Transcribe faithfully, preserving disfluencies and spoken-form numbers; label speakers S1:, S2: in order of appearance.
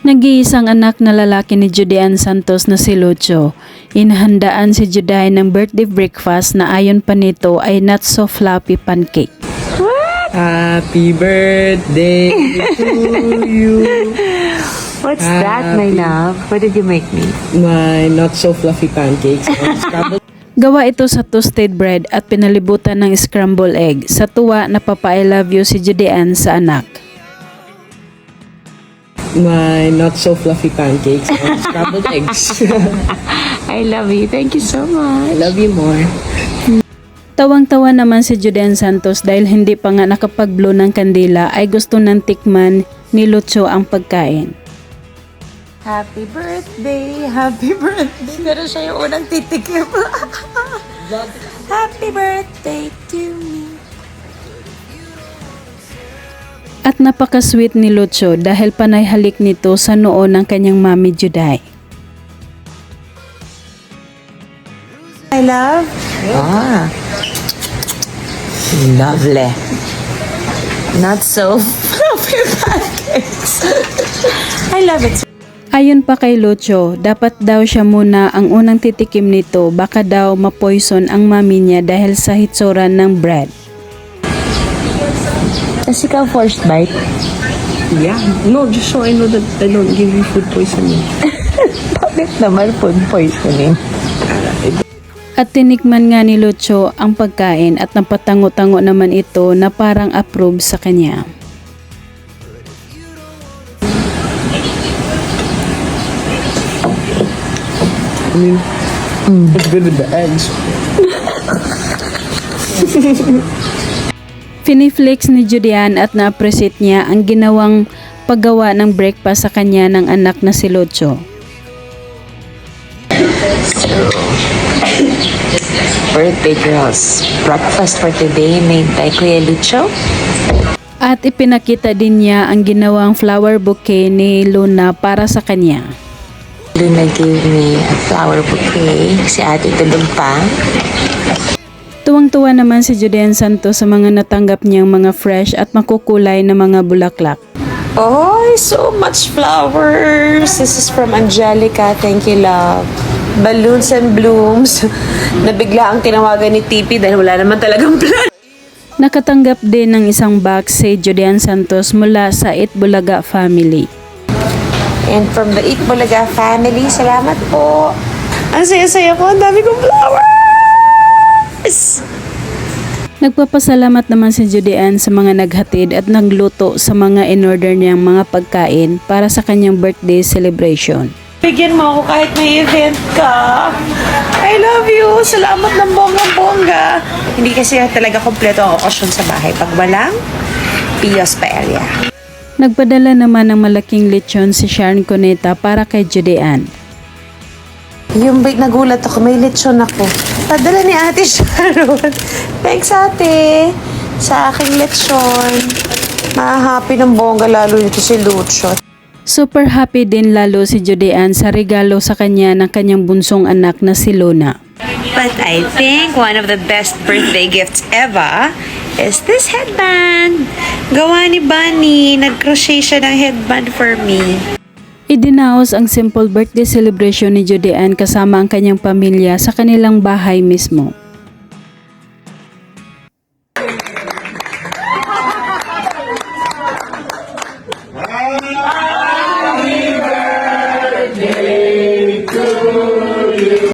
S1: Nag-iisang anak na lalaki ni Judean Santos na si Lucho. Inahandaan si Juday ng birthday breakfast na ayon pa nito ay not so fluffy pancake.
S2: Happy birthday to you.
S3: What's that, my love? What did you make me?
S2: My not so fluffy pancakes and scrambled.
S1: Gawa ito sa toasted bread at pinalibutan ng scrambled egg. Sa tuwa, napapa-I love you si Judean sa anak.
S2: My not so fluffy pancakes and scrambled eggs.
S3: I love you. Thank you so much.
S2: I love you more.
S1: Tawang-tawa naman si Judean Santos dahil hindi pa nga nakapag-blow ng kandila ay gusto ng tikman ni Lucho ang pagkain.
S4: Happy birthday! Happy birthday! Pero siya yung unang titikim. Happy birthday to me!
S1: At napaka-sweet ni Lucho dahil panay halik nito sa noo ng kanyang mami Juday.
S4: I love.
S3: Ah. Lovely. Not so fluffy pancakes.
S4: I love it.
S1: Ayon pa kay Lucho, dapat daw siya muna ang unang titikim nito, baka daw ma-poison ang mami niya dahil sa hitsuran ng bread.
S3: Kasi ikaw first bite.
S2: Yeah. No, just so I know that I don't give you food poisoning.
S3: Bakit naman food poisoning?
S1: At tinikman nga ni Lucho ang pagkain at napatango-tango naman ito na parang approve sa kanya.
S2: I mean, it's good with the eggs.
S1: Finiflex ni Judean at na-appreciate niya ang ginawang paggawa ng breakfast sa kanya ng anak na si Lucho.
S3: Birthday girls. Breakfast for today made by Kuya Lucho.
S1: At ipinakita din niya ang ginawang flower bouquet ni Luna para sa kanya.
S3: Luna gave me a flower bouquet. Si ate tulog pa.
S1: Tuwang-tuwa naman si Judean Santos sa mga natanggap niyang mga fresh at makukulay na mga bulaklak.
S4: Oh, so much flowers. This is from Angelica. Thank you, love. Balloons and blooms. Nabigla ang tinawagan ni T P dahil wala naman talagang plan.
S1: Nakatanggap din ng isang box si Judean Santos mula sa Itbulaga family.
S4: And from the Eat Bulaga family, salamat po. Ang saya-saya ko. Ang dami kong flowers.
S1: Nagpapasalamat naman si Judean sa mga naghatid at nagluto sa mga in-order niyang mga pagkain para sa kanyang birthday celebration.
S4: Bigyan mo ako kahit may event ka. I love you. Salamat ng bonggang-bongga. Hindi kasi talaga kompleto ang okasyon sa bahay pag walang Pios Paella.
S1: Nagpadala naman ng malaking lechon si Sharon Cuneta para kay Judean.
S4: Yung big nagulat ako, may lechon ako. Padala ni Ate Sharon. Thanks, ate. Sa aking lechon. Mahahappy ng bongga lalo nito si Lucho.
S1: Super happy din lalo si Judean sa regalo sa kanya ng kanyang bunsong anak na si Luna.
S5: But I think one of the best birthday gifts ever is this headband. Gawa ni Bunny. Nag-crochet siya ng headband for me.
S1: Idinaos ang simple birthday celebration ni Judean kasama ang kanyang pamilya sa kanilang bahay mismo.